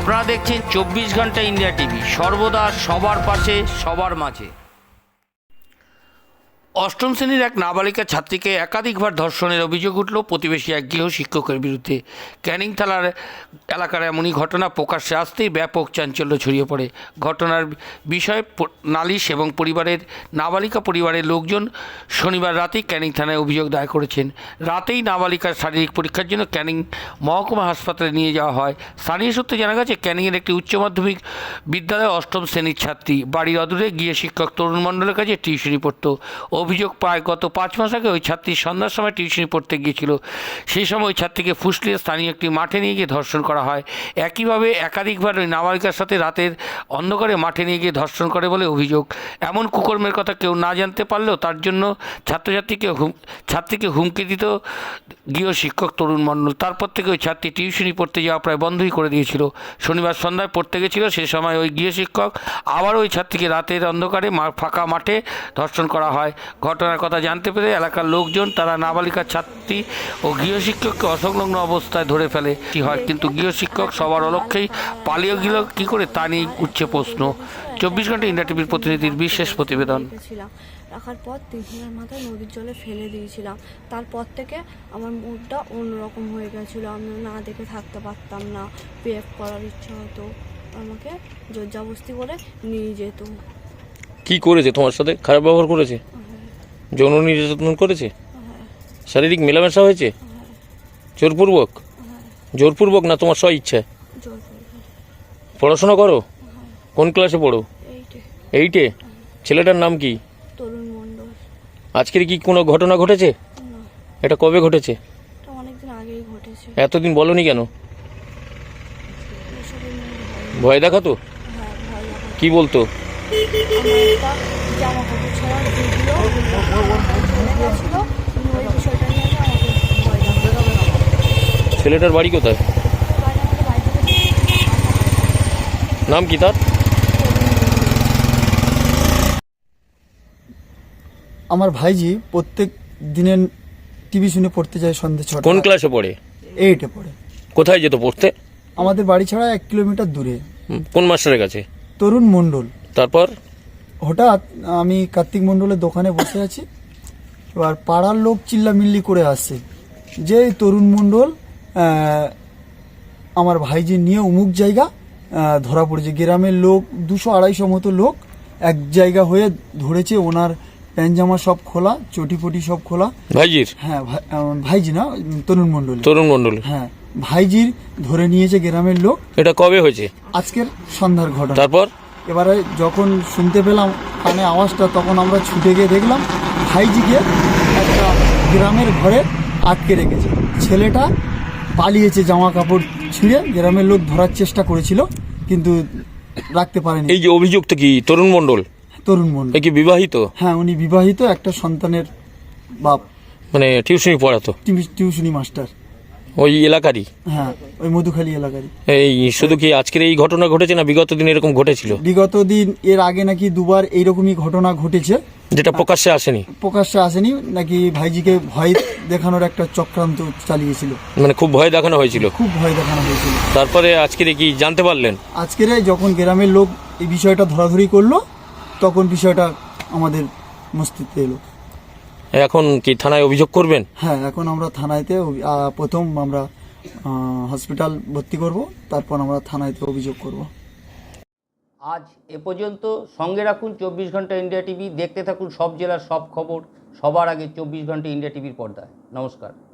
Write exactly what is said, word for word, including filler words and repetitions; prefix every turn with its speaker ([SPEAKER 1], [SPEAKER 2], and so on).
[SPEAKER 1] আপনারা দেখছেন চব্বিশ ঘন্টা ইন্ডিয়া টিভি, সর্বদা সবার পাশে সবার মাঝে। অষ্টম শ্রেণীর এক নাবালিকা ছাত্রীকে একাধিকবার ধর্ষণের অভিযোগ উঠল প্রতিবেশী এক গৃহ শিক্ষকের বিরুদ্ধে। ক্যানিং থানার এলাকার এমনই ঘটনা প্রকাশ্যে আসতেই ব্যাপক চাঞ্চল্য ছড়িয়ে পড়ে। ঘটনার বিষয়ে নালিশ এবং পরিবারের নাবালিকা পরিবারের লোকজন শনিবার রাতেই ক্যানিং থানায় অভিযোগ দায়ের করেছেন। রাতেই নাবালিকার শারীরিক পরীক্ষার জন্য ক্যানিং মহকুমা হাসপাতালে নিয়ে যাওয়া হয়। স্থানীয় সূত্রে জানা গেছে, ক্যানিংয়ের একটি উচ্চ মাধ্যমিক বিদ্যালয়ে অষ্টম শ্রেণীর ছাত্রী বাড়ির অদূরে গিয়ে শিক্ষক তরুণ মণ্ডলের কাছে টিউশনি পড়ত। অভিযোগ পায় গত পাঁচ মাস আগে ওই ছাত্রী সন্ধ্যার সময় টিউশনি পড়তে গিয়েছিল। সেই সময় ওই ছাত্রীকে ফুসলিয়ে স্থানীয় একটি মাঠে নিয়ে গিয়ে ধর্ষণ করা হয়। একইভাবে একাধিকবার ওই নাবালিকার সাথে রাতের অন্ধকারে মাঠে নিয়ে গিয়ে ধর্ষণ করে বলে অভিযোগ। এমন কুকর্মের কথা কেউ না জানতে পারলেও তার জন্য ছাত্রছাত্রীকে হুম ছাত্রীকে হুমকি দিত গৃহ শিক্ষক তরুণ মণ্ডল। তারপর থেকে ওই ছাত্রী টিউশনি পড়তে যাওয়া প্রায় বন্ধই করে দিয়েছিল। শনিবার সন্ধ্যায় পড়তে গেছিল, সে সময় ওই গৃহ শিক্ষক আবার ওই ছাত্রীকে রাতের অন্ধকারে ফাঁকা মাঠে ধর্ষণ করা হয়। ঘটনার কথা জানতে পেরে এলাকার লোকজন তারা নাবালিকার ছাত্রী ও গৃহশিক্ষককে অসংলগ্ন অবস্থায় ধরে ফেলে কি হয়, কিন্তু গৃহশিক্ষক সবার অলক্ষ্যেই পালিয়ে গেল কী করে তা নিয়ে উঠছে প্রশ্ন। চব্বিশ ঘন্টা ইন্ডিয়া টিভির প্রতিনিধির বিশেষ প্রতিবেদন।
[SPEAKER 2] রাখার পর তিন দিনের মাথায় নদীর জলে ফেলে দিয়েছিলাম। তারপর থেকে আমার মুডটা অন্যরকম হয়ে গেছিলো। আমি না দেখে থাকতে পারতাম না, বিহেভ করার ইচ্ছা হতো, আমাকে জোরজবস্তি করে নিয়ে যেত।
[SPEAKER 3] কি করেছে তোমার সাথে? খারাপ ব্যবহার করেছে? যৌন নির্যাতন করেছে? শারীরিক মেলামেশা হয়েছে? জোরপূর্বক? জোরপূর্বক না তোমার স্ব ইচ্ছা? পড়াশোনা করো? কোন ক্লাসে পড়ো? এইটে। ছেলেটার নাম কি?
[SPEAKER 2] তরুণ মণ্ডল।
[SPEAKER 3] আজকের কি কোনো ঘটনা ঘটেছে? এটা কবে ঘটেছে?
[SPEAKER 2] অনেকদিন আগেই ঘটেছে।
[SPEAKER 3] এতদিন বলনি কেন? ভয় দেখাতো? কি বলতো?
[SPEAKER 2] জামা কাপড় ছাড়া ভিডিও চলে গেছিল, ওই বিষয়টা নিয়ে আমাকে ভয় দেখাতো।
[SPEAKER 3] ছেলেটার বাড়ি কোথায়? নাম কি তার?
[SPEAKER 4] আমার ভাইজি প্রত্যেক দিনের টিভি শুনে পড়তে যায় সন্ধ্যে ছটা।
[SPEAKER 3] কোন ক্লাসে পড়ে?
[SPEAKER 4] এইটে পড়ে।
[SPEAKER 3] কোথায় যেত পড়তে?
[SPEAKER 4] আমাদের বাড়ি ছাড়া এক কিলোমিটার দূরে।
[SPEAKER 3] কোন মাস্টারের কাছে?
[SPEAKER 4] তরুণ মণ্ডল।
[SPEAKER 3] তারপর
[SPEAKER 4] হঠাৎ আমি কার্তিক মণ্ডলের দোকানে বসে আছি, এবার পাড়ার লোক চিল্লামিল্লি করে আসছে যে তরুণ মণ্ডল আমার ভাইজি নিয়ে অমুক জায়গা ধরা পড়েছে। গ্রামের লোক দুশো আড়াইশো মতো লোক এক জায়গা হয়ে ধরেছে। ওনার প্যান্ট জামা সব খোলা, চটি পটি সব খোলা।
[SPEAKER 3] ভাইজির?
[SPEAKER 4] হ্যাঁ, ভাইজি না, তরুণ মণ্ডল।
[SPEAKER 3] তরুণ মণ্ডল,
[SPEAKER 4] হ্যাঁ, ভাইজির ধরে নিয়েছে গ্রামের লোক।
[SPEAKER 3] এটা কবে হয়েছে?
[SPEAKER 4] আজকের সন্ধ্যার ঘটনা।
[SPEAKER 3] তারপর
[SPEAKER 4] এবারে যখন শুনতে পেলাম কানে আওয়াজটা, তখন আমরা ছুটে গিয়ে দেখলাম ভাইজিকে একটা গ্রামের ঘরে আটকে রেখেছে। ছেলেটা পালিয়েছে, জামা কাপড় ছিঁড়ে। গ্রামের লোক ধরার চেষ্টা করেছিল কিন্তু রাখতে পারেনি।
[SPEAKER 3] এই যে অভিযুক্ত কি তরুণ মণ্ডল?
[SPEAKER 4] তরুণ মণ্ডল
[SPEAKER 3] কি বিবাহিত?
[SPEAKER 4] হ্যাঁ, উনি বিবাহিত, একটা সন্তানের বাপ।
[SPEAKER 3] মানে টিউশনি পড়াতো?
[SPEAKER 4] টিউশনি মাস্টার
[SPEAKER 3] ওই এলাকারই?
[SPEAKER 4] হ্যাঁ, ওই মধুখালী এলাকারই।
[SPEAKER 3] এই শুধু কি আজকের এই ঘটনা ঘটেছে না বিগত দিন এরকম ঘটেছিল?
[SPEAKER 4] বিগত দিন এর আগে নাকি দুবার এইরকমই ঘটনা ঘটেছে,
[SPEAKER 3] যেটা প্রকাশ্যে আসেনি।
[SPEAKER 4] প্রকাশ্যে আসেনি নাকি ভাইজিকে ভয় দেখানোর একটা চক্রান্ত চালিয়েছিল।
[SPEAKER 3] মানে খুব ভয় দেখানো হয়েছিল?
[SPEAKER 4] খুব ভয় দেখানো হয়েছিল।
[SPEAKER 3] তারপরে আজকের কি জানতে পারলেন?
[SPEAKER 4] আজকের যখন গ্রামের লোক এই বিষয়টা ধরাধরি করলো, তখন বিষয়টা আমাদের মস্তিষ্কে এলো।
[SPEAKER 3] এখন কি থানায় অভিযোগ করবেন?
[SPEAKER 4] হ্যাঁ, এখন আমরা থানায়তে প্রথম আমরা হসপিটাল ভর্তি করব, তারপর আমরা থানায়তে অভিযোগ করব।
[SPEAKER 1] আজ এ পর্যন্ত। সঙ্গে রাখুন চব্বিশ ঘন্টা ইন্ডিয়া টিভি। দেখতে থাকুন সব জেলার সব খবর সবার আগে চব্বিশ ঘন্টা ইন্ডিয়া টিভির পর্দায়। নমস্কার।